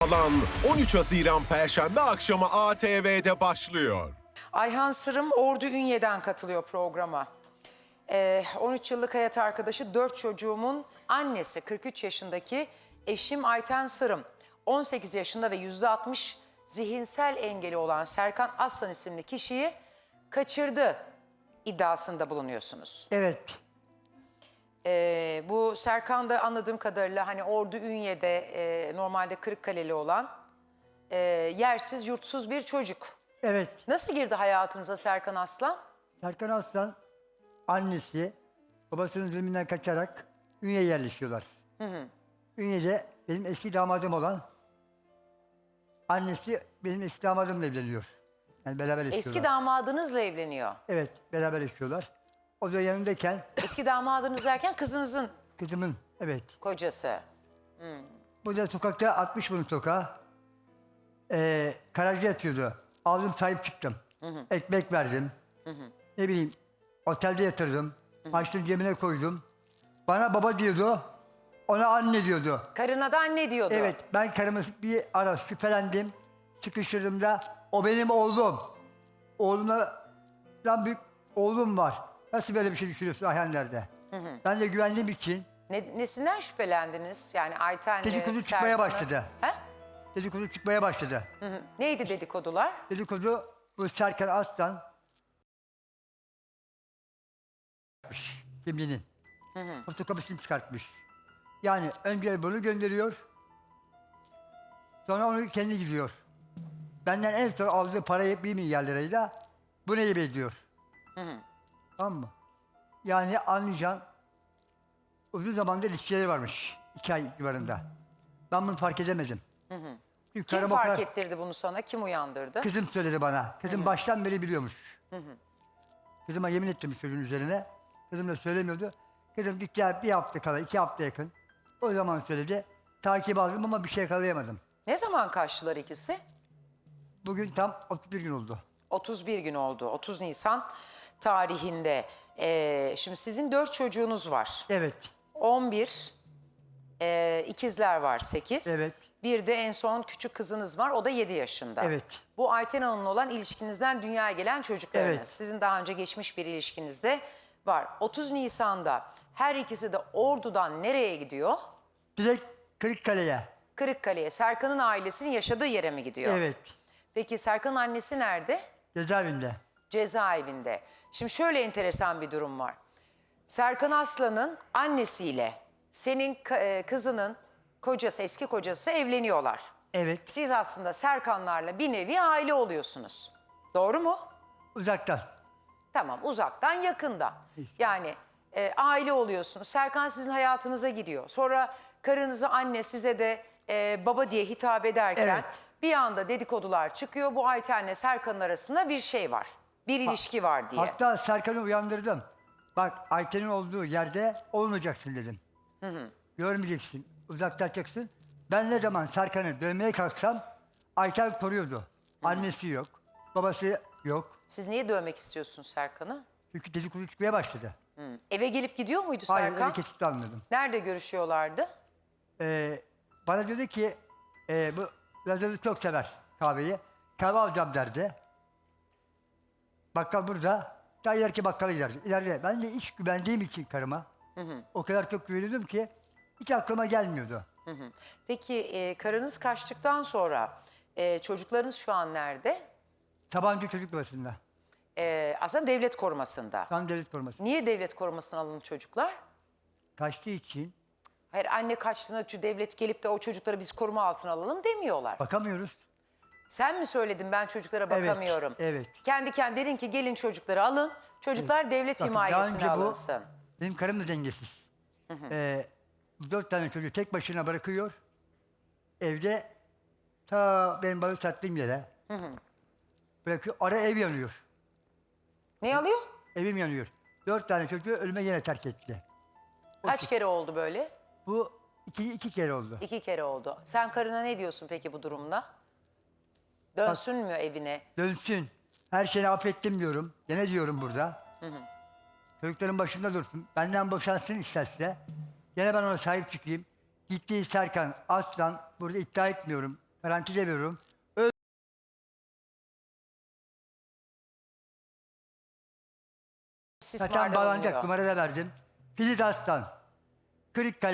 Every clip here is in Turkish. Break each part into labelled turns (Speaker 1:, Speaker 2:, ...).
Speaker 1: Alan 13 Haziran Perşembe akşamı ATV'de başlıyor.
Speaker 2: Ayhan Sırım Ordu Ünye'den katılıyor programa. 13 yıllık hayat arkadaşı, 4 çocuğumun annesi, 43 yaşındaki eşim Ayten Sırım. 18 yaşında ve %60 zihinsel engeli olan Serkan Aslan isimli kişiyi kaçırdı iddiasında bulunuyorsunuz.
Speaker 3: Evet.
Speaker 2: Bu Serkan da anladığım kadarıyla hani Ordu Ünye'de normalde Kırıkkaleli olan yersiz yurtsuz bir çocuk.
Speaker 3: Evet.
Speaker 2: Nasıl girdi hayatınıza Serkan Aslan?
Speaker 3: Serkan Aslan annesi babasının zulmünden kaçarak Ünye'ye yerleşiyorlar. Ünye'de benim eski damadım olan annesi benim eski damadımla evleniyor. Yani beraber yaşıyorlar.
Speaker 2: Eski damadınızla evleniyor.
Speaker 3: Evet, beraber yaşıyorlar. O da yanındayken
Speaker 2: Eski damadınız derken kızınızın
Speaker 3: kızımın, evet.
Speaker 2: kocası.
Speaker 3: Burada sokakta atmış bunu sokağa. Garajda yatıyordu. Aldım, sahip çıktım. Ekmek verdim. Ne bileyim, otelde yatırdım. Açtım, cebine koydum. Bana baba diyordu, ona anne diyordu.
Speaker 2: Karına da anne diyordu.
Speaker 3: Evet, ben karımı bir ara şüphelendim. Sıkıştırdım da, o benim oğlum. Oğlumdan büyük oğlum var. Nasıl böyle bir şey düşünüyorsun Ayhan nerede? Ben de güvendiğim için
Speaker 2: Nesinden şüphelendiniz? Yani Ayten'le
Speaker 3: dedikodu çıkmaya
Speaker 2: Serkan'ı-
Speaker 3: başladı.
Speaker 2: He?
Speaker 3: Dedikodu çıkmaya başladı.
Speaker 2: Neydi dedikodular?
Speaker 3: Dedikodu bu Serkan Aslan kimliğinin fotokopisini çıkartmış. Yani önce bunu gönderiyor, sonra onu kendi gidiyor. Benden en son aldığı parayı 1 milyar lirayla bu neyi bekliyor? Tamam mı? Yani anlayacağım, uzun zamandır ilişkileri varmış. 2 ay civarında. Ben bunu fark edemedim. Çünkü
Speaker 2: Kim
Speaker 3: karım o
Speaker 2: fark
Speaker 3: kadar-
Speaker 2: ettirdi bunu sana? Kim uyandırdı?
Speaker 3: Kızım söyledi bana. Kızım baştan beri biliyormuş. Kızıma yemin ettim çocuğun üzerine. Kızım da söylemiyordu. Kızım gitti bir hafta kala, 2 hafta yakın. O zaman söyledi. Takip aldım ama bir şey yakalayamadım.
Speaker 2: Ne zaman kaçtılar ikisi?
Speaker 3: Bugün tam 31 gün oldu.
Speaker 2: 31 gün oldu. 30 Nisan tarihinde. Şimdi sizin 4 çocuğunuz var.
Speaker 3: Evet.
Speaker 2: 11, ikizler var 8.
Speaker 3: Evet.
Speaker 2: Bir de en son küçük kızınız var, o da 7 yaşında.
Speaker 3: Evet.
Speaker 2: Bu Ayten Hanım'la olan ilişkinizden dünyaya gelen çocuklarınız.
Speaker 3: Evet.
Speaker 2: Sizin daha önce geçmiş bir ilişkinizde var. 30 Nisan'da her ikisi de Ordu'dan nereye gidiyor?
Speaker 3: Direkt Kırıkkale'ye.
Speaker 2: Kırıkkale'ye. Serkan'ın ailesinin yaşadığı yere mi gidiyor?
Speaker 3: Evet.
Speaker 2: Peki Serkan'ın annesi nerede?
Speaker 3: Cezaevinde.
Speaker 2: Cezaevinde. Şimdi şöyle enteresan bir durum var. Serkan Aslan'ın annesiyle senin kızının kocası, eski kocası evleniyorlar.
Speaker 3: Evet.
Speaker 2: Siz aslında Serkanlarla bir nevi aile oluyorsunuz. Doğru mu?
Speaker 3: Uzaktan.
Speaker 2: Tamam, uzaktan yakından. Yani aile oluyorsunuz. Serkan sizin hayatınıza giriyor. Sonra karınızı anne, size de baba diye hitap ederken
Speaker 3: Evet.
Speaker 2: bir anda dedikodular çıkıyor. Bu Ayten'le Serkan'ın arasında bir şey var. Bir ilişki var diye.
Speaker 3: Hatta Serkan'ı uyandırdım. Bak, Ayten'in olduğu yerde olmayacaksın dedim. Görmeyeceksin, uzaklaşacaksın. Ben ne zaman Serkan'ı dövmeye kalksam Ayten koruyordu. Annesi yok, babası yok.
Speaker 2: Siz niye dövmek istiyorsunuz Serkan'ı?
Speaker 3: Çünkü dedikodu çıkmaya başladı.
Speaker 2: Eve gelip gidiyor muydu
Speaker 3: Hayır,
Speaker 2: Serkan?
Speaker 3: öyle kesinlikle anladım.
Speaker 2: Nerede görüşüyorlardı?
Speaker 3: Bana dedi ki, bu Lazer'i çok sever kahveyi. Kahve alacağım derdi. Bakkal burada. Daha ileriki bakkala giderdi. İleride. Ben de iş güvendiğim için karıma. O kadar çok güveniyordum ki hiç aklıma gelmiyordu.
Speaker 2: Peki karınız kaçtıktan sonra çocuklarınız şu an nerede?
Speaker 3: Tabanca çocuk babasında.
Speaker 2: Aslında devlet korumasında.
Speaker 3: Tam devlet koruması.
Speaker 2: Niye devlet korumasına alındı çocuklar?
Speaker 3: Kaçtığı için
Speaker 2: Hayır, anne kaçtığında devlet gelip de o çocukları biz koruma altına alalım demiyorlar.
Speaker 3: bakamıyoruz.
Speaker 2: Sen mi söyledin ben çocuklara
Speaker 3: Evet,
Speaker 2: bakamıyorum?
Speaker 3: evet.
Speaker 2: Kendi kendine dedin ki gelin çocukları alın. Çocuklar devlet
Speaker 3: Bakın, daha
Speaker 2: himayesine
Speaker 3: önce bu-
Speaker 2: alınsın.
Speaker 3: Benim karım da dengesiz. 4 tane çocuğu tek başına bırakıyor. Evde ta benim balık sattığım yere bırakıyor. Ara ev yanıyor.
Speaker 2: Ne alıyor?
Speaker 3: Evim yanıyor. 4 tane çocuğu ölüme yine terk etti.
Speaker 2: Kaç kere oldu böyle?
Speaker 3: Bu iki kere oldu.
Speaker 2: 2 kere oldu. Sen karına ne diyorsun peki bu durumda? Dönsün mü evine?
Speaker 3: Dönsün. Her şeyi affettim diyorum. Gene diyorum burada. Çocukların başında dursun. Benden boşansın isterse. Gene ben ona sahip çıkayım. Gittiği Serkan Aslan, burada iddia etmiyorum. Garanti veriyorum. Zaten
Speaker 2: İstismarda
Speaker 3: bağlanacak
Speaker 2: bulunuyor.
Speaker 3: numara da verdim. Filiz Aslan. Kırıkkale.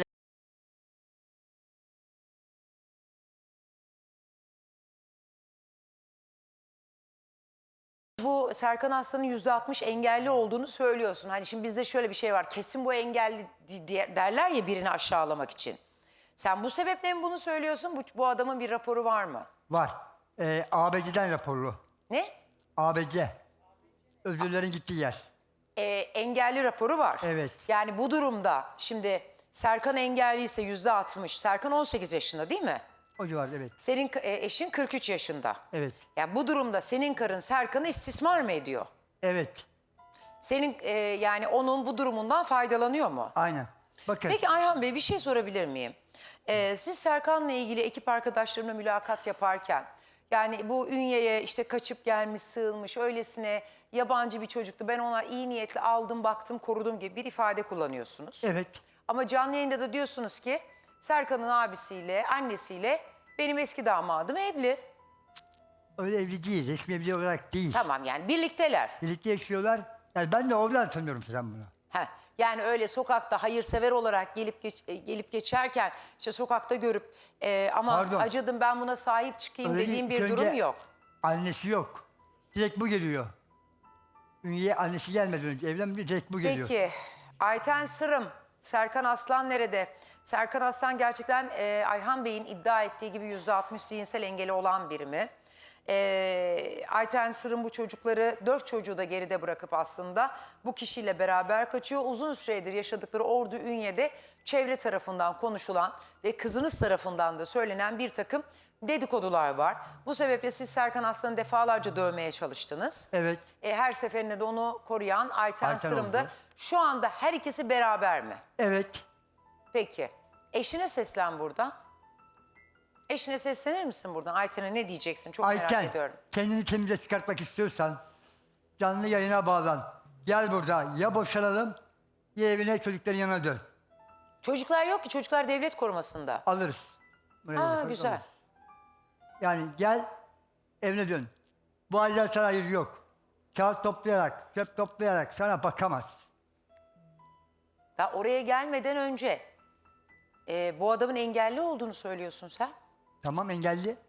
Speaker 2: Bu Serkan Aslan'ın %60 engelli olduğunu söylüyorsun. Hani şimdi bizde şöyle bir şey var. Kesin bu engelli derler ya birini aşağılamak için. Sen bu sebeple mi bunu söylüyorsun? Bu adamın bir raporu var mı?
Speaker 3: Var. ABC'den raporlu.
Speaker 2: Ne?
Speaker 3: ABC. Özürlerin gittiği yer.
Speaker 2: Engelli raporu var.
Speaker 3: Evet.
Speaker 2: Yani bu durumda şimdi Serkan engelli ise %60. Serkan 18 yaşında değil mi?
Speaker 3: O civarda evet.
Speaker 2: Senin eşin 43 yaşında.
Speaker 3: Evet.
Speaker 2: Yani bu durumda senin karın Serkan'ı istismar mı ediyor?
Speaker 3: Evet.
Speaker 2: Senin yani onun bu durumundan faydalanıyor mu?
Speaker 3: Aynen. Bakın.
Speaker 2: Peki Ayhan Bey bir şey sorabilir miyim? Siz Serkan'la ilgili ekip arkadaşlarımla mülakat yaparken yani bu Ünye'ye işte kaçıp gelmiş, sığınmış, öylesine yabancı bir çocuktu. Ben ona iyi niyetle aldım, baktım, korudum gibi bir ifade kullanıyorsunuz.
Speaker 3: Evet.
Speaker 2: Ama canlı yayında da diyorsunuz ki Serkan'ın abisiyle, annesiyle benim eski damadım evli.
Speaker 3: Öyle evli değil. Resmi evli olarak değil.
Speaker 2: Tamam yani birlikteler.
Speaker 3: Birlikte yaşıyorlar. Yani ben de oradan tanıyorum sen bunu.
Speaker 2: Heh, yani öyle sokakta hayırsever olarak gelip geçerken işte sokakta görüp ama
Speaker 3: Pardon.
Speaker 2: acıdım ben buna sahip çıkayım
Speaker 3: Öyle
Speaker 2: dediğim
Speaker 3: değil.
Speaker 2: bir
Speaker 3: İlk
Speaker 2: durum
Speaker 3: önce
Speaker 2: yok.
Speaker 3: Annesi yok. Direkt bu geliyor. Ünye'ye annesi gelmeden önce evlenmiyor. Direkt bu geliyor.
Speaker 2: Peki Ayten Sırım, Serkan Aslan nerede? Serkan Aslan gerçekten Ayhan Bey'in iddia ettiği gibi %60 zihinsel engeli olan biri mi? Ayten Sırım bu çocukları, 4 çocuğu da geride bırakıp aslında bu kişiyle beraber kaçıyor. Uzun süredir yaşadıkları Ordu Ünye'de çevre tarafından konuşulan ve kızınız tarafından da söylenen bir takım dedikodular var. Bu sebeple siz Serkan Aslan'ı defalarca dövmeye çalıştınız.
Speaker 3: Evet.
Speaker 2: Her seferinde de onu koruyan Ayten
Speaker 3: Ayten
Speaker 2: Sırım'da.
Speaker 3: oldu.
Speaker 2: Şu anda her ikisi beraber mi?
Speaker 3: Evet.
Speaker 2: Peki. Eşine seslen buradan. Eşine seslenir misin buradan? Ayten'e ne diyeceksin? Çok merak
Speaker 3: Ayten,
Speaker 2: ediyorum.
Speaker 3: kendini temize çıkartmak istiyorsan canlı yayına bağlan. Gel burada ya boşanalım ya evine çocukların yanına dön.
Speaker 2: Çocuklar yok ki. Çocuklar devlet korumasında.
Speaker 3: Alırız. Buraya
Speaker 2: Aa
Speaker 3: bakarız,
Speaker 2: güzel.
Speaker 3: alırız. Yani gel evine dön. Bu aileler sana hayır yok. Kağıt toplayarak, çöp toplayarak sana bakamaz.
Speaker 2: Daha oraya gelmeden önce bu adamın engelli olduğunu söylüyorsun sen.
Speaker 3: Tamam engelli.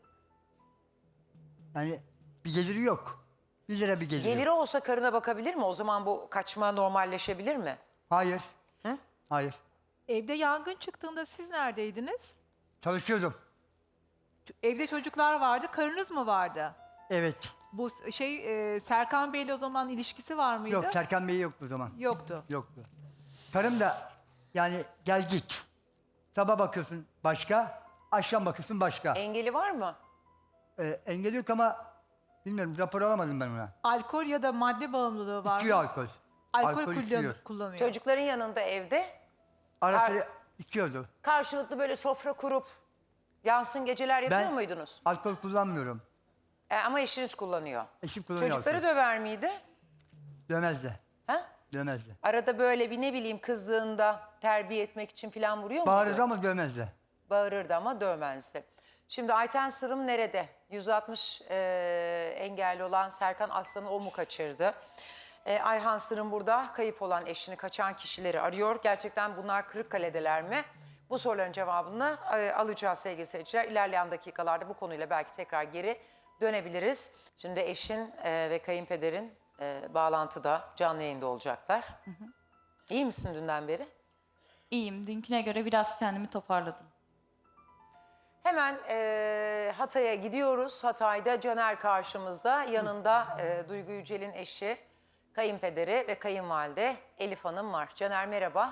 Speaker 3: Yani bir geliri yok. 1 lira bir geliri
Speaker 2: Geliri
Speaker 3: yok.
Speaker 2: olsa karına bakabilir mi? O zaman bu kaçma normalleşebilir mi?
Speaker 3: Hayır.
Speaker 2: Hı?
Speaker 3: Hayır.
Speaker 4: Evde yangın çıktığında siz neredeydiniz?
Speaker 3: Çalışıyordum.
Speaker 4: Evde çocuklar vardı, karınız mı vardı?
Speaker 3: Evet.
Speaker 4: Bu Serkan Bey'le o zaman ilişkisi var mıydı?
Speaker 3: Yok Serkan Bey yoktu o zaman.
Speaker 4: Yoktu.
Speaker 3: Yoktu. Karım da yani gel git. Sabah bakıyorsun başka, akşam bakıyorsun başka.
Speaker 2: Engeli var mı?
Speaker 3: Engel yok ama bilmiyorum rapor alamadım ben ona.
Speaker 4: Alkol ya da madde bağımlılığı var
Speaker 3: İçiyor
Speaker 4: mı?
Speaker 3: alkol.
Speaker 4: Alkol
Speaker 3: içiyor.
Speaker 4: kullanıyor.
Speaker 2: Çocukların yanında evde
Speaker 3: Ara sıra içiyordu.
Speaker 2: karşılıklı böyle sofra kurup yansın geceler yapıyor
Speaker 3: Ben
Speaker 2: muydunuz?
Speaker 3: alkol kullanmıyorum.
Speaker 2: Ama eşiniz kullanıyor.
Speaker 3: Eşim kullanıyor
Speaker 2: Çocukları
Speaker 3: alkol.
Speaker 2: döver miydi?
Speaker 3: Dövmezdi.
Speaker 2: Ha?
Speaker 3: Dövmezdi.
Speaker 2: Arada böyle bir ne bileyim kızdığında terbiye etmek için falan vuruyor muydu?
Speaker 3: Bağırırdı ama dövmezdi.
Speaker 2: Bağırırdı ama dövmezdi. Şimdi Ayten Sırım nerede? 160 engelli olan Serkan Aslan'ı o mu kaçırdı? Ayhan Sırım burada kayıp olan eşini kaçan kişileri arıyor. Gerçekten bunlar Kırıkkale'deler mi? Bu soruların cevabını alacağız sevgili seyirciler. İlerleyen dakikalarda bu konuyla belki tekrar geri dönebiliriz. Şimdi eşin ve kayınpederin bağlantıda canlı yayında olacaklar. İyi misin dünden beri?
Speaker 5: İyiyim. Dünküne göre biraz kendimi toparladım.
Speaker 2: Hemen Hatay'a gidiyoruz. Hatay'da Caner karşımızda. Yanında Duygu Yücel'in eşi, kayınpederi ve kayınvalide Elif Hanım var. Caner merhaba.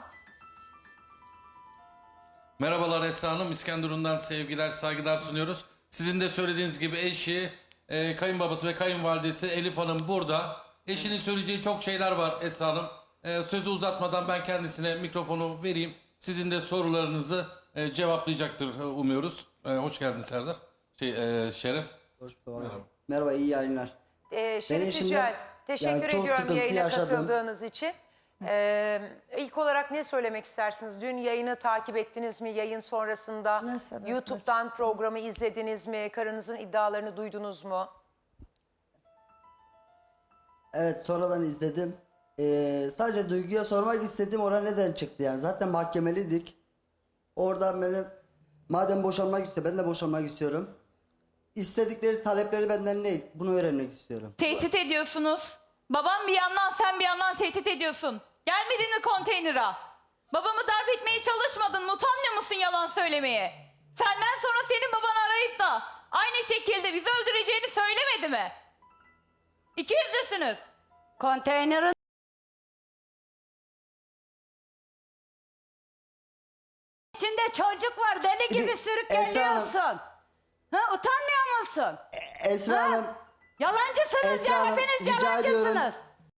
Speaker 6: Merhabalar Esra Hanım. İskenderun'dan sevgiler, saygılar sunuyoruz. Sizin de söylediğiniz gibi eşi, kayınbabası ve kayınvalidesi Elif Hanım burada. Eşinin söyleyeceği çok şeyler var Esra Hanım. Sözü uzatmadan ben kendisine mikrofonu vereyim. Sizin de sorularınızı cevaplayacaktır umuyoruz. Hoş geldin Serdar. Şeref.
Speaker 7: Hoş bulduk. Merhaba, iyi yayınlar.
Speaker 2: Şerif
Speaker 7: Benim şimdi
Speaker 2: Yücel, teşekkür
Speaker 7: yani çok
Speaker 2: ediyorum
Speaker 7: sıkıntı
Speaker 2: yayına
Speaker 7: yaşadım.
Speaker 2: katıldığınız için. İlk olarak ne söylemek istersiniz? Dün yayını takip ettiniz mi? Yayın sonrasında YouTube'dan programı izlediniz mi? Karınızın iddialarını duydunuz mu?
Speaker 7: Evet, sonradan izledim. Sadece Duygu'ya sormak istedim, oraya neden çıktı yani. Zaten mahkemeliydik. Oradan benim, madem boşanmak istiyor, ben de boşanmak istiyorum. İstedikleri talepleri benden ne? Bunu öğrenmek istiyorum.
Speaker 5: Tehdit ediyorsunuz. Babam bir yandan, sen bir yandan tehdit ediyorsun. Gelmedin mi konteynera? Babamı darp etmeye çalışmadın mı? Utanmıyor musun yalan söylemeye? Senden sonra senin babanı arayıp da aynı şekilde bizi öldüreceğini söylemedi mi? İkiyüzlüsünüz.
Speaker 8: Konteynerin içinde çocuk var. Deli gibi
Speaker 7: Esra
Speaker 8: sürükleniyorsun. Ha, utanmıyor musun?
Speaker 7: Esra Hanım,
Speaker 8: Yalancısınız
Speaker 7: Esra
Speaker 8: ya.
Speaker 7: Hanım,
Speaker 8: Hepiniz
Speaker 7: rica
Speaker 8: yalancısınız.
Speaker 7: ediyorum.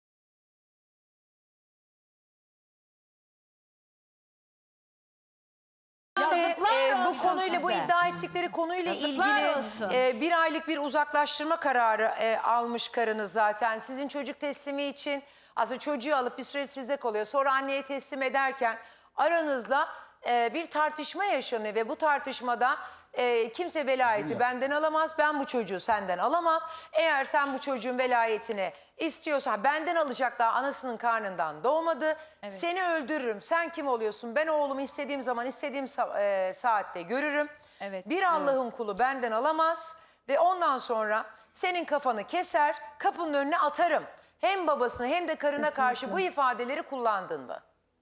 Speaker 8: Yazıklar
Speaker 2: Bu
Speaker 8: olsun
Speaker 2: konuyla, bu
Speaker 8: size.
Speaker 2: iddia ettikleri konuyla
Speaker 8: Yazıklar
Speaker 2: ilgili
Speaker 8: olsun.
Speaker 2: bir aylık bir uzaklaştırma kararı almış karınız zaten. Sizin çocuk teslimi için aslında çocuğu alıp bir süre sizde kalıyor. Sonra anneye teslim ederken aranızda bir tartışma yaşanıyor ve bu tartışmada kimse velayeti benden alamaz. Ben bu çocuğu senden alamam. Eğer sen bu çocuğun velayetini istiyorsan, benden alacak, daha anasının karnından doğmadı. Seni öldürürüm. Sen kim oluyorsun? Ben oğlumu istediğim zaman, istediğim saatte görürüm.
Speaker 5: Evet.
Speaker 2: Bir Allah'ın kulu benden alamaz ve ondan sonra senin kafanı keser, kapının önüne atarım. Hem babasına hem de karına karşı bu ifadeleri kullandın mı?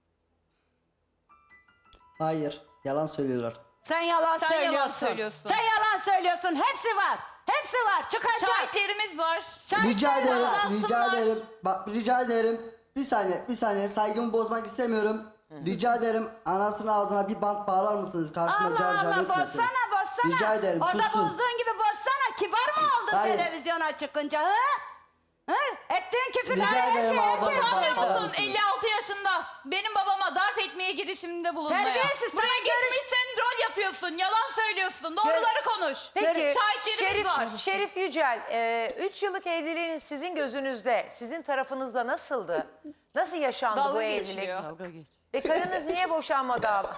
Speaker 7: hayır, yalan söylüyorlar.
Speaker 8: Sen yalan
Speaker 5: Sen
Speaker 8: söylüyorsun.
Speaker 5: yalan söylüyorsun.
Speaker 8: Sen yalan söylüyorsun. Hepsi var. Hepsi var. Çıkacak.
Speaker 5: Şahitlerimiz var.
Speaker 7: Rica ederim,
Speaker 5: bağlansınlar.
Speaker 7: rica ederim. Bak, rica ederim. Bir saniye, saygımı bozmak istemiyorum. Rica ederim, anasının ağzına bir bant bağlar mısınız? Karşımda
Speaker 8: Allah
Speaker 7: car car
Speaker 8: Allah,
Speaker 7: etmesin.
Speaker 8: bozsana.
Speaker 7: Rica ederim,
Speaker 8: Orada
Speaker 7: sussun.
Speaker 8: bozduğun gibi bozsana. Kibar mı oldun
Speaker 7: Hayır.
Speaker 8: televizyona çıkınca? Hı? Hı? Ettiğin küfürler
Speaker 7: Rica
Speaker 8: her
Speaker 7: ederim,
Speaker 8: şey.
Speaker 7: ağzına
Speaker 8: herkes
Speaker 7: bak-
Speaker 8: duydu.
Speaker 7: bağlar
Speaker 5: Musun?
Speaker 7: mısınız?
Speaker 5: 56 yaşında benim babama darp etmeye girişiminde bulunmaya.
Speaker 8: Terbiyesiz, sana
Speaker 5: Buraya geçmişsin, rol yapıyorsun, yalan söylüyorsun, doğruları konuş.
Speaker 2: Peki
Speaker 5: Şahitlerimiz var.
Speaker 2: Şerif Yücel, 3 yıllık evliliğiniz sizin gözünüzde, sizin tarafınızda nasıldı? Nasıl yaşandı
Speaker 5: Dalga
Speaker 2: bu evlilik?
Speaker 5: geçiyor.
Speaker 2: Ve karınız niye boşanmadı abi?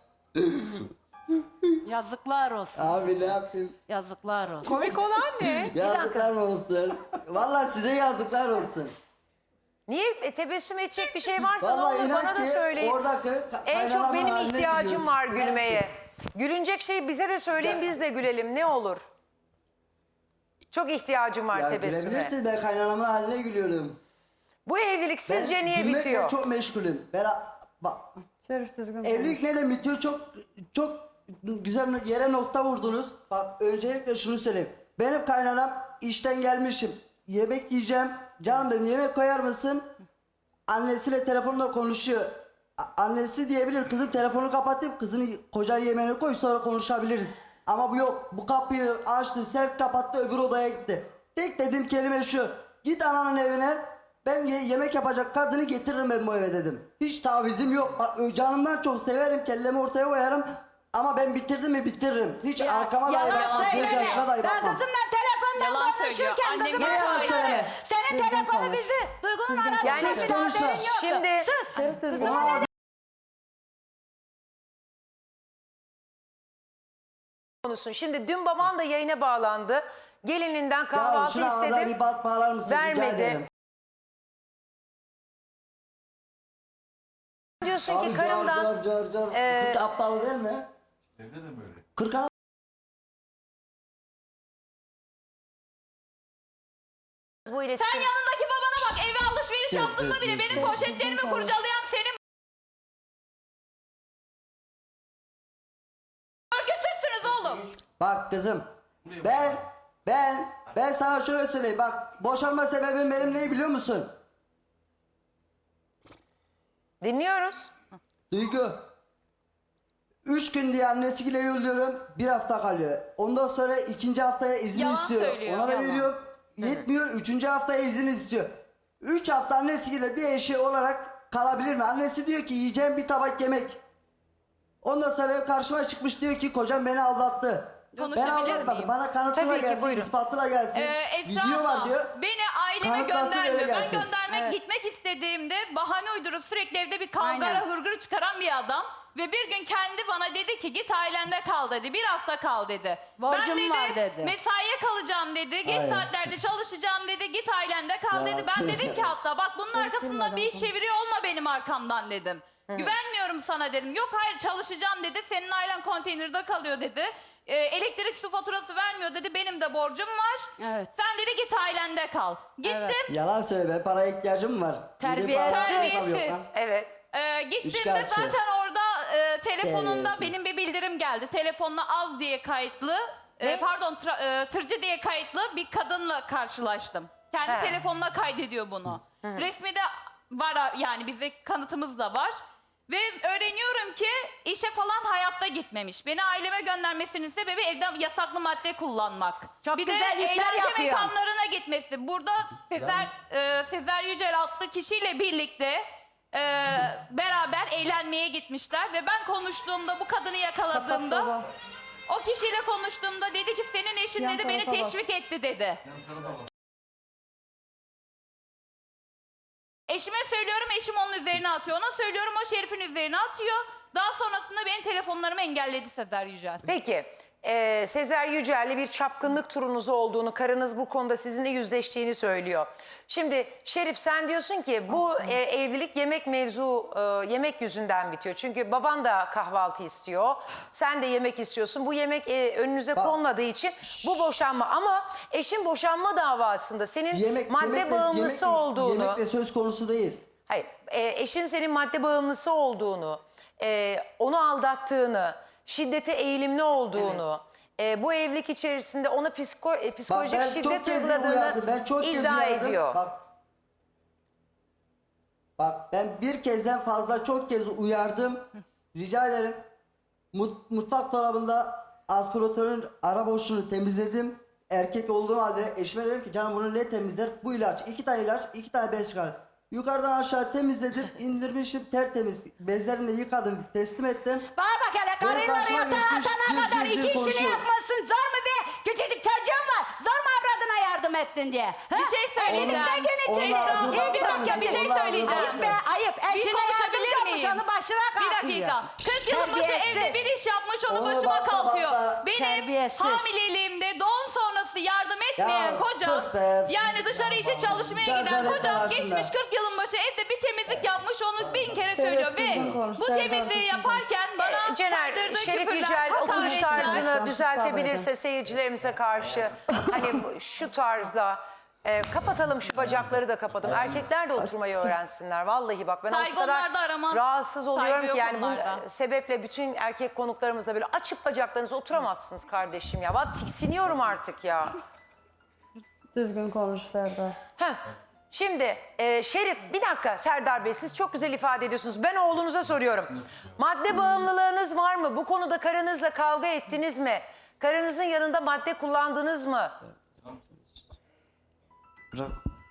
Speaker 8: Yazıklar olsun.
Speaker 7: Abi ne yapayım?
Speaker 8: Yazıklar olsun.
Speaker 2: Komik olan ne?
Speaker 7: Yazıklar olsun. Vallahi size yazıklar olsun.
Speaker 2: Niye tebessüm edecek bir şey varsa ne
Speaker 7: Vallahi
Speaker 2: olur
Speaker 7: inan
Speaker 2: bana da
Speaker 7: ki
Speaker 2: söyleyin.
Speaker 7: oradaki
Speaker 2: En çok
Speaker 7: kaynanamın
Speaker 2: benim
Speaker 7: haline
Speaker 2: ihtiyacım
Speaker 7: gülüyorsun.
Speaker 2: var
Speaker 7: İnan ki.
Speaker 2: gülmeye. Gülünecek şeyi bize de söyleyin, biz de gülelim, ne olur. Çok ihtiyacım var
Speaker 7: Ya
Speaker 2: tebessüme.
Speaker 7: gülebilirsiniz, ben kaynanamın haline gülüyorum.
Speaker 2: Bu evlilik sizce
Speaker 7: Ben
Speaker 2: niye
Speaker 7: gülmekle
Speaker 2: bitiyor?
Speaker 7: çok meşgulüm. Bak, evlilik neden bitiyor? Çok güzel yere nokta vurdunuz. Bak, öncelikle şunu söyleyeyim. Benim kaynanam, işten gelmişim. Yemek yiyeceğim. Canım dedim, yemek koyar mısın? Annesiyle telefonla konuşuyor. Annesi diyebilir, kızım telefonu kapatıp kızını kocan yemeğini koy, sonra konuşabiliriz. Ama bu yok. Bu kapıyı açtı, sert kapattı, öbür odaya gitti. Tek dediğim kelime şu: git ananın evine, ben yemek yapacak kadını getiririm ben bu eve dedim. Hiç tavizim yok. Bak, canımdan çok severim, kellemi ortaya koyarım. Ama ben bitirdim mi bitiririm. Hiç arkama dahi
Speaker 8: Yalan
Speaker 7: bakmam, göz
Speaker 8: söyleme.
Speaker 7: yaşına dahi
Speaker 8: Ben
Speaker 7: bakmam.
Speaker 8: kızımla telefonda
Speaker 5: Yalan söylüyor.
Speaker 8: konuşurken
Speaker 5: Annem
Speaker 8: kızıma
Speaker 7: ne yalan
Speaker 8: söyledim.
Speaker 7: söyleme?
Speaker 8: Senin telefonu bizi Duygu'nun aradığı
Speaker 2: Yani
Speaker 8: senin haberin
Speaker 7: konuşma.
Speaker 8: yoktu.
Speaker 2: Şimdi-
Speaker 8: Sus.
Speaker 7: Ona ağzı-
Speaker 2: Konusun. Şimdi dün baban da yayına bağlandı. Gelininden
Speaker 7: Ya
Speaker 2: kahvaltı
Speaker 7: şuna ağzına
Speaker 2: istedim.
Speaker 7: bir bant bağlar mısın? Rica
Speaker 2: Vermedi.
Speaker 7: ederim.
Speaker 2: Diyorsun
Speaker 7: Abi
Speaker 2: ki karımdan
Speaker 7: car.
Speaker 2: Ee,
Speaker 7: 40 aptal değil mi? Evde de böyle. 40
Speaker 2: bu iletişim...
Speaker 5: Sen yanındaki babana bak, eve alışveriş yaptığında bile benim poşetlerimi kurcalayan senin. Örgüsüzsünüz oğlum.
Speaker 7: Bak kızım, ben sana şöyle söyleyeyim. Bak, boşanma sebebim benim ne biliyor musun?
Speaker 2: Dinliyoruz.
Speaker 7: Duygu. 3 gün diye annesiyle yolluyorum, 1 hafta kalıyor. Ondan sonra 2. haftaya izin
Speaker 5: Yalan
Speaker 7: istiyor.
Speaker 5: söylüyor.
Speaker 7: Ona da
Speaker 5: Yalan.
Speaker 7: veriyorum. Yetmiyor, 3. haftaya izin istiyor. 3 hafta annesiyle bir eşi olarak kalabilir mi? Annesi diyor ki yiyeceğim bir tabak yemek. Ondan sonra benim karşıma çıkmış, diyor ki kocam beni aldattı. Ben
Speaker 5: konuşabilir
Speaker 7: anlatmadım.
Speaker 5: miyim?
Speaker 7: Bana kanıtına
Speaker 2: Tabii ki,
Speaker 7: gelsin,
Speaker 2: buyurun.
Speaker 7: ispatına gelsin.
Speaker 5: Esra
Speaker 7: Video var
Speaker 5: abla,
Speaker 7: diyor.
Speaker 5: beni aileme
Speaker 7: Kanıtlasın, öyle
Speaker 5: göndermiyor. Ben
Speaker 7: gelsin.
Speaker 5: göndermek gitmek istediğimde bahane uydurup sürekli evde bir kavgara
Speaker 8: Aynen.
Speaker 5: hırgür çıkaran bir adam. Ve bir gün kendi bana dedi ki git ailende kal dedi. Bir hafta kal dedi.
Speaker 8: Borcum
Speaker 5: ben
Speaker 8: var dedi.
Speaker 5: mesaiye kalacağım dedi. Geç
Speaker 7: Hayır.
Speaker 5: saatlerde çalışacağım dedi. Git ailende kal
Speaker 7: Yalan
Speaker 5: dedi. Ben dedim ki
Speaker 7: söylüyorum.
Speaker 5: hatta bak bunun arkasından bir iş çeviriyor olma benim arkamdan dedim. Güvenmiyorum sana dedim. Yok hayır çalışacağım dedi. Senin ailen konteynerde kalıyor dedi. Elektrik su faturası vermiyor dedi. Benim de borcum var.
Speaker 8: Evet.
Speaker 5: Sen dedi git ailende kal. Gittim.
Speaker 8: Evet.
Speaker 7: Yalan söyle, paraya ihtiyacım var.
Speaker 8: Terbiyesiz.
Speaker 5: Terbiyesiz.
Speaker 2: Evet.
Speaker 5: Gittiğimde
Speaker 7: Üçkağıtçı.
Speaker 5: zaten orada telefonunda
Speaker 7: Terbiyesiz.
Speaker 5: benim bir bildirim geldi. Telefonuna az diye kayıtlı, tırcı diye kayıtlı bir kadınla karşılaştım. Kendi
Speaker 2: He.
Speaker 5: telefonuna kaydediyor bunu. Resmi de var yani bize kanıtımız da var. Ve öğreniyorum ki işe falan hayatta gitmemiş. Beni aileme göndermesinin sebebi evde yasaklı madde kullanmak.
Speaker 8: Çok
Speaker 5: bir
Speaker 8: güzel
Speaker 5: de
Speaker 8: işler
Speaker 5: eğlence
Speaker 8: yapıyor.
Speaker 5: mekanlarına gitmesi. Burada Sezer Yücel adlı kişiyle birlikte beraber eğlenmeye gitmişler. Ve ben konuştuğumda bu kadını yakaladığımda o kişiyle konuştuğumda dedi ki senin eşin dedi beni teşvik etti dedi. Eşime söylüyorum, eşim onun üzerine atıyor. Ona söylüyorum, o Şerif'in üzerine atıyor. Daha sonrasında benim telefonlarımı engelledi Sezer Yücel.
Speaker 2: Peki, Sezer Yücel'le bir çapkınlık turunuz olduğunu, karınız bu konuda sizinle yüzleştiğini söylüyor. Şimdi Şerif sen diyorsun ki bu evlilik yemek yüzünden bitiyor. Çünkü baban da kahvaltı istiyor, sen de yemek istiyorsun. Bu yemek önünüze konmadığı için bu boşanma. Ama eşin boşanma davasında senin madde bağımlısı olduğunu...
Speaker 7: Yemekle söz konusu değil.
Speaker 2: Hayır, eşin senin madde bağımlısı olduğunu, onu aldattığını, şiddete eğilimli olduğunu, bu evlilik içerisinde ona psikolojik
Speaker 7: ben
Speaker 2: şiddet
Speaker 7: çok kez
Speaker 2: uyguladığını
Speaker 7: uyardım, ben çok kez
Speaker 2: iddia
Speaker 7: uyardım.
Speaker 2: ediyor.
Speaker 7: Bak ben bir kezden fazla çok kez uyardım. Rica ederim. Mutfak dolabında aspiratörün ara boşluğunu temizledim. Erkek olduğum halde eşime dedim ki canım bunu ne temizler? Bu ilaç. 2 tane ilaç, 2 tane bez çıkar. Yukarıdan aşağı temizledim, indirmişim tertemiz. Bezlerini de yıkadım, teslim ettim.
Speaker 8: Bana bak hele karınları
Speaker 7: karşıma
Speaker 8: yatağa
Speaker 7: geçmiş,
Speaker 8: atana kadar
Speaker 7: cır cır
Speaker 8: 2 işini
Speaker 7: konuşuyor.
Speaker 8: yapmasın. Zor mu be? Küçücük çocuğum var. Zor mu avradına yardım ettin diye?
Speaker 5: Bir şey söyleyeceğim.
Speaker 8: Elimden
Speaker 7: Onun
Speaker 8: gelecek.
Speaker 7: ağzını
Speaker 5: Bir dakika,
Speaker 7: bakar
Speaker 5: bir şey
Speaker 7: mısın?
Speaker 5: söyleyeceğim.
Speaker 8: Ayıp be ayıp. Eşine
Speaker 5: konuşabilir
Speaker 8: yardımcı olmuş
Speaker 5: miyim?
Speaker 8: onu başına
Speaker 5: Bir
Speaker 8: kalkıyor.
Speaker 5: dakika. 40 yılın başı
Speaker 8: Terbiyesiz.
Speaker 5: evde bir iş yapmış onu
Speaker 7: Onu
Speaker 5: başıma
Speaker 7: bakla,
Speaker 5: kalkıyor.
Speaker 7: bakla.
Speaker 5: Benim
Speaker 8: Terbiyesiz.
Speaker 5: hamileliğimde doğum sonrası yardım etmeyen
Speaker 7: Ya,
Speaker 5: kocam,
Speaker 7: sus be.
Speaker 5: yani dışarı işe çalışmaya
Speaker 7: Can
Speaker 5: giden
Speaker 7: etme
Speaker 5: kocam
Speaker 7: karşında.
Speaker 5: geçmiş 40 yılın başı evde bir temizlik yapmış onu bin kere söylüyor ve bu temizliği yaparken bana
Speaker 2: Cener,
Speaker 5: saldırdığı
Speaker 2: Şerif
Speaker 5: küfürler,
Speaker 2: Yücel oturuş
Speaker 5: hakaretler.
Speaker 2: tarzını düzeltebilirse seyircilerimize karşı hani şu tarzda kapatalım şu bacakları da kapatalım. Erkekler de oturmayı öğrensinler. Vallahi bak ben o
Speaker 5: Saygı
Speaker 2: kadar
Speaker 5: onlarda aramam.
Speaker 2: rahatsız oluyorum
Speaker 5: Saygı
Speaker 2: ki
Speaker 5: yok
Speaker 2: yani bu
Speaker 5: onlarda.
Speaker 2: sebeple bütün erkek konuklarımızla böyle açıp bacaklarınızı oturamazsınız kardeşim ya. Vallahi tiksiniyorum artık ya.
Speaker 9: Düzgün konuş Serdar.
Speaker 2: Heh. Şimdi Şerif bir dakika Serdar Bey siz çok güzel ifade ediyorsunuz. Ben oğlunuza soruyorum. Madde bağımlılığınız var mı? Bu konuda karınızla kavga ettiniz mi? Karınızın yanında madde kullandınız mı?
Speaker 7: Bırak.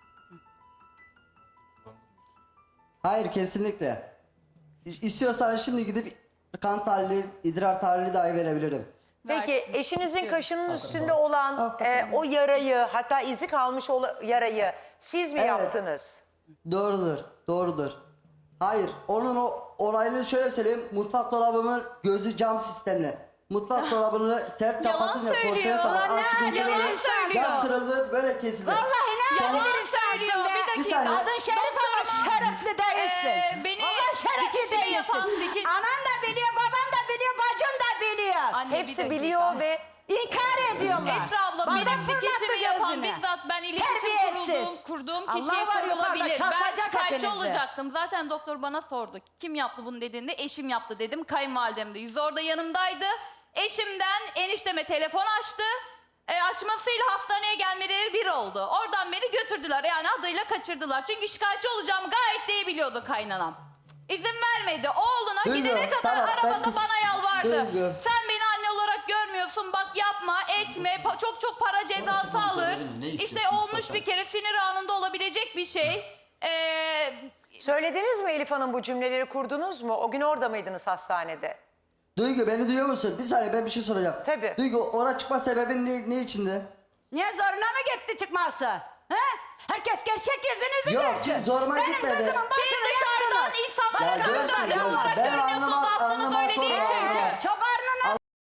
Speaker 7: Hayır kesinlikle. İstiyorsan şimdi gidip kan tahlili, idrar tahlili dahi verebilirim.
Speaker 2: Peki eşinizin kaşının üstünde olan o yarayı hatta izi kalmış yarayı siz mi
Speaker 7: Evet.
Speaker 2: yaptınız?
Speaker 7: Doğrudur, doğrudur. Hayır, onun o olayını şöyle söyleyeyim. Mutfak dolabımın gözü cam sistemli. Mutfak dolabını sert
Speaker 5: Yalan
Speaker 7: kapatınca
Speaker 5: söylüyor.
Speaker 7: porselen tabağı
Speaker 8: Ulan ne
Speaker 7: açtım.
Speaker 8: yalan söylüyor.
Speaker 7: Cam kırıldı, böyle kesildi.
Speaker 8: Vallahi ne
Speaker 7: Sonra-
Speaker 8: yalan
Speaker 5: söylüyor.
Speaker 8: söylüyor.
Speaker 5: Bir dakika.
Speaker 7: saniye.
Speaker 8: Adın Şerif ama şerefli değilsin.
Speaker 5: beni
Speaker 8: Allah şerefli
Speaker 5: dikişini
Speaker 8: değilsin.
Speaker 5: yapan
Speaker 8: Anan da biliyor, baban da biliyor, bacın da biliyor.
Speaker 5: Anne, bir
Speaker 2: Hepsi
Speaker 5: dakika.
Speaker 2: biliyor ve
Speaker 8: İnkar ediyorlar.
Speaker 5: Esra abla
Speaker 8: Bardak
Speaker 5: benim
Speaker 8: fırlattı
Speaker 5: dikişimi yapan
Speaker 8: gözüne.
Speaker 5: bizzat ben iletişim
Speaker 8: Terbiyesiz.
Speaker 5: kurduğum
Speaker 8: Allah
Speaker 5: kişiye
Speaker 8: var yukarıda,
Speaker 5: sorulabilir. Ben
Speaker 8: çarpacak
Speaker 5: şikayetçi
Speaker 8: hepinizi.
Speaker 5: olacaktım. Zaten doktor bana sordu. Kim yaptı bunu dediğinde eşim yaptı dedim. Kayınvalidem de yüzü orada yanımdaydı. Eşimden enişteme telefon açtı. Açmasıyla hastaneye gelmeleri bir oldu. Oradan beni götürdüler yani adıyla kaçırdılar. Çünkü şikayetçi olacağımı gayet de iyi biliyordu kaynanam. İzin vermedi. Oğluna
Speaker 7: Duyuyorum,
Speaker 5: gidene kadar
Speaker 7: tamam, ben
Speaker 5: arabada bana yalvardı.
Speaker 7: duyuyorum.
Speaker 5: Sen beni anne olarak görmüyorsun bak yapma etme çok para cezası alır. İşte olmuş bir kere sinir anında olabilecek bir şey.
Speaker 2: söylediniz mi Elif Hanım bu cümleleri kurdunuz mu? O gün orada mıydınız hastanede?
Speaker 7: Duygu beni duyuyor musun? Bir saniye ben bir şey soracağım.
Speaker 2: Tabii.
Speaker 7: Duygu ona çıkma sebebin ne içindi?
Speaker 8: Niye zoruna mı gitti çıkması? He? Herkes gerçek yüzünüzü
Speaker 7: Yok,
Speaker 8: görsün.
Speaker 7: şimdi zoruma
Speaker 8: Benim
Speaker 7: gitmedi.
Speaker 8: gözümün
Speaker 5: Siz
Speaker 8: başını
Speaker 5: dışarıdan
Speaker 8: yaktınız.
Speaker 5: insanlara
Speaker 7: Ya görsün,
Speaker 5: karşı
Speaker 7: görsün.
Speaker 5: olarak
Speaker 7: Ben
Speaker 5: görünüyorsunuz. Aslında
Speaker 7: anlamak
Speaker 5: böyle değil
Speaker 7: zorunda.
Speaker 5: çünkü.
Speaker 8: Çok arnına.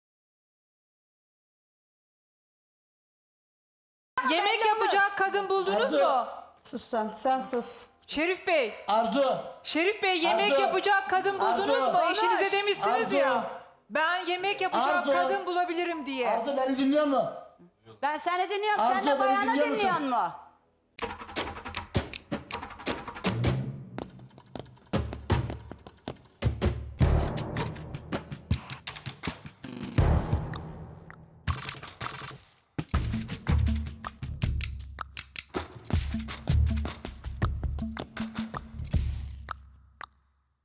Speaker 4: Yemek yapacak kadın buldunuz mu?
Speaker 9: Sus sen sus.
Speaker 4: Şerif Bey,
Speaker 10: Arzu.
Speaker 4: Şerif Bey yemek
Speaker 10: Arzu.
Speaker 4: yapacak kadın buldunuz
Speaker 10: Arzu.
Speaker 4: mu? Eşinize demişsiniz
Speaker 10: Arzu.
Speaker 4: ya. Ben yemek yapacak
Speaker 10: Arzu.
Speaker 4: kadın bulabilirim diye.
Speaker 10: Arzu beni dinliyor mu?
Speaker 8: Ben seni dinliyorum. Sen
Speaker 10: Arzu,
Speaker 8: de
Speaker 10: beni
Speaker 8: bayanı
Speaker 10: dinliyor musun?
Speaker 8: dinliyor mu?